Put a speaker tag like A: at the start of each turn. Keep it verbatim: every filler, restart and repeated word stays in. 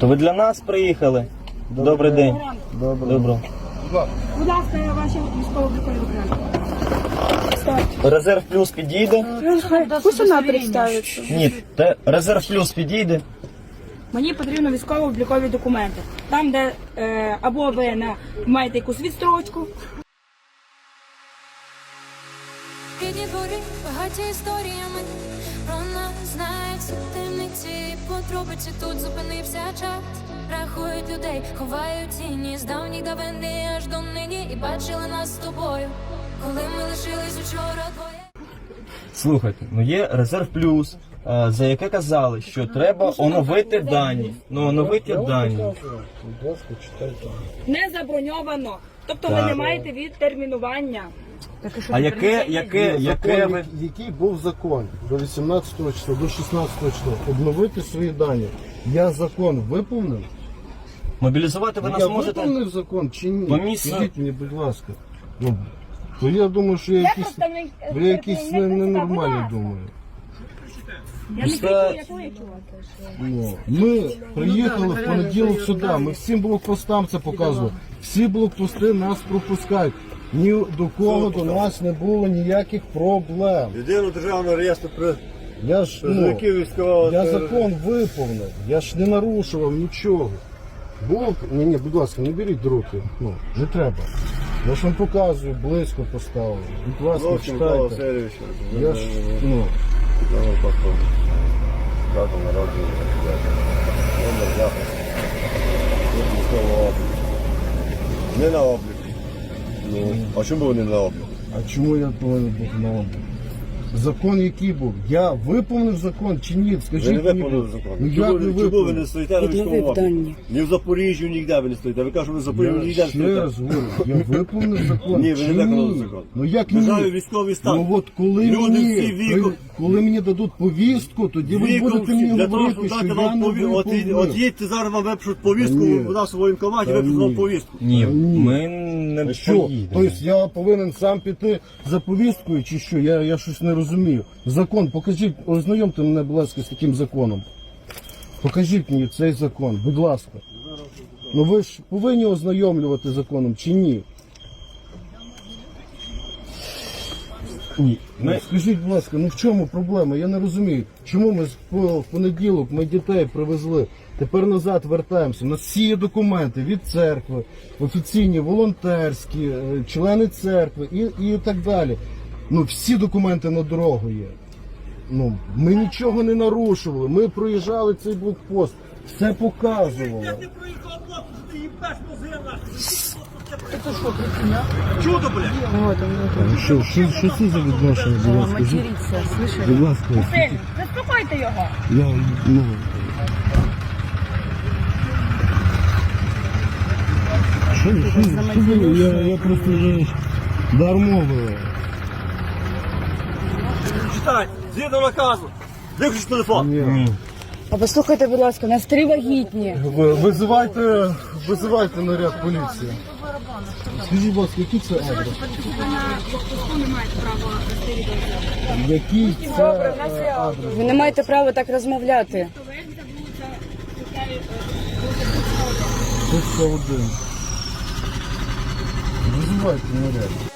A: То ви для нас приїхали? Добрий день.
B: Добре.
A: Добро.
C: Будь ласка, ваші військово-облікові документи.
A: Резерв плюс підійде?
C: Пусть вона представиться.
A: Ні, те, резерв плюс підійде.
C: Мені потрібно військово-облікові документи. Там, де е, або ви на, маєте якусь відстрочку.
D: Рідні двори, багаті історіями, про нас знають всі темниці, подробиці, тут зупинився час. Рахують людей, ховають тіні з давніх давини аж до нині. І бачили нас з тобою, коли ми лишились учора двоє.
A: Слухайте, ну є резерв плюс, е, за яке казали, що треба оновити дані. Ну, оновити дані.
B: Будь ласка, читайте.
C: Не заброньовано. Тобто ви
A: Так.
C: не маєте відтермінування.
A: А яке, яке, яке ви...
B: Який був закон до вісімнадцятого числа, до шістнадцятого числа, обновити свої дані. Я закон виповнив?
A: Мобілізувати ви
B: Я
A: нас можете?
B: виповнив закон чи ні?
A: По місцю.
B: Скажіть мені, будь ласка. Ну, то я думаю, що я якийсь, я якийсь не- ненормальний думаю.
C: Я не
A: Просто-
C: кричу, я кличу.
B: Ну, ми приїхали в понеділок сюди, ми всім блокпостам це показували. Всі блокпости нас пропускають. Ні до кого до нас не було ніяких проблем.
E: Єдиного державного реєстру при
B: Я ж ну,
E: призовників військового.
B: я закон виповнив, я ж не нарушував нічого. Блок, ні, ні, будь ласка, не беріть до руки. Ну, не треба. Я ж вам показую, близько поставив. Будь ласка,
E: Зовсім Микола
B: читайте.
E: Васильович.
B: Я ж, ну,
E: Номер паспорту. Дата народження. Номер запису. Номер військового обліку. Не на обліку. Ну, а чому ви не на обліку?
B: а чому я повинен бути на обліку? Закон який був? Я виповнив закон чи ні? Скажіть
E: Ви не
B: мені.
E: виконали закон.
B: Ну,
E: Чому,
B: як не
E: ви- чому ви
B: виповнив?
E: не стоїте на військовому обліку? Ні в Запоріжжі, ніде ви не стоїте. Ви кажете, що ви в Запоріжжі
B: Я
E: ніде не
B: ще
E: стоїте.
B: раз говорю, я виповнив закон.
E: Ні, ви не
B: чи
E: виконали
B: ні?
E: закон.
B: Ну як
E: Державі
B: ні?
E: військовий стан.
B: Ну от коли
E: Люди
B: мені,
E: всі віком-
B: коли мені дадуть повістку, тоді ви
E: Віком
B: будете
E: всі,
B: мені
E: для того,
B: говорити,
E: щоб
B: що
E: дати
B: я
E: вам
B: не
E: повістку. От,
B: виповнив.
E: от їдьте зараз вам випишуть повістку
B: Ні.
E: в нас у воєнкоматі,
B: Та
E: випишуть вам
B: ні.
E: повістку.
A: Ні,
B: Ні.
A: ми не
B: Що?
A: поїдемо.
B: Тобто я повинен сам піти за повісткою чи що? Я, я щось не розумію. Закон, покажіть, ознайомте мене, будь ласка, з таким законом. Покажіть мені цей закон, будь ласка. Ну ви ж повинні ознайомлювати законом чи ні? Ні.
A: Ми-
B: Скажіть, будь ласка, ну в чому проблема? Я не розумію. Чому ми з- по- в понеділок ми дітей привезли, тепер назад вертаємося. У нас всі є документи від церкви, офіційні, волонтерські, е, члени церкви і, і так далі. Ну всі документи на дорогу є. Ну, ми нічого не нарушували, ми проїжджали цей блокпост, все показувало.
E: Чудо, блядь!
B: Що, що, що це за відношення, будь ласка?
C: Матеріться, слышите?
B: Будь ласка,
C: Син, заспокойте його.
B: я, ну... Що, що, що ви? Я, я просто вже дармовий.
E: Читай, згідно наказу. Виключи телефон.
B: Ні.
C: А послухайте, будь ласка, нас три вагітні.
B: Ви- Визивайте, визивайте наряд поліції. Скажіть, будь ласка, який це адрес? Який це е, адрес?
C: Ви не маєте права так розмовляти.
B: тридцять один. Визивайте наряд.